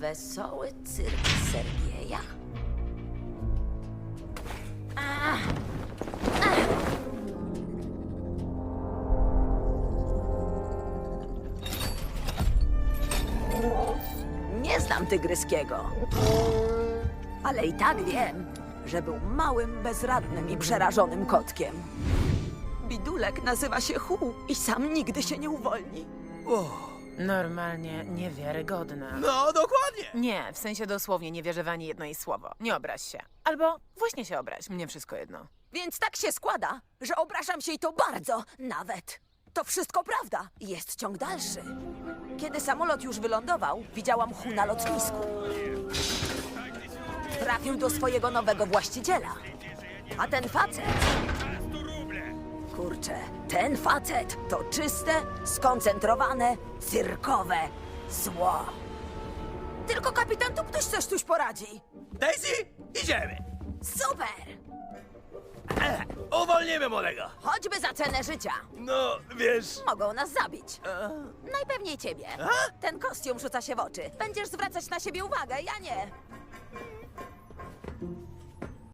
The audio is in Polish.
Wesoły cyrk Sergieja. Nie znam Tygryskiego. Ale i tak wiem, że był małym, bezradnym i przerażonym kotkiem. Bidulek nazywa się Hu i sam nigdy się nie uwolni. Normalnie niewiarygodne. No, dokładnie. Nie, w sensie dosłownie nie wierzę w ani jedno jej słowo. Nie obraź się. Albo właśnie się obraź, mnie wszystko jedno. Więc tak się składa, że obrażam się i to bardzo, nawet. To wszystko prawda. Jest ciąg dalszy. Kiedy samolot już wylądował, widziałam Hu na lotnisku. Trafił do swojego nowego właściciela. A ten facet... Kurczę, ten facet to czyste, skoncentrowane, cyrkowe zło. Tylko kapitan Tuptuś coś tuś poradzi. Daisy, idziemy. Super! Uwolnimy młodego. Choćby za cenę życia. No, wiesz... Mogą nas zabić. Najpewniej ciebie. Ten kostium rzuca się w oczy. Będziesz zwracać na siebie uwagę, ja nie.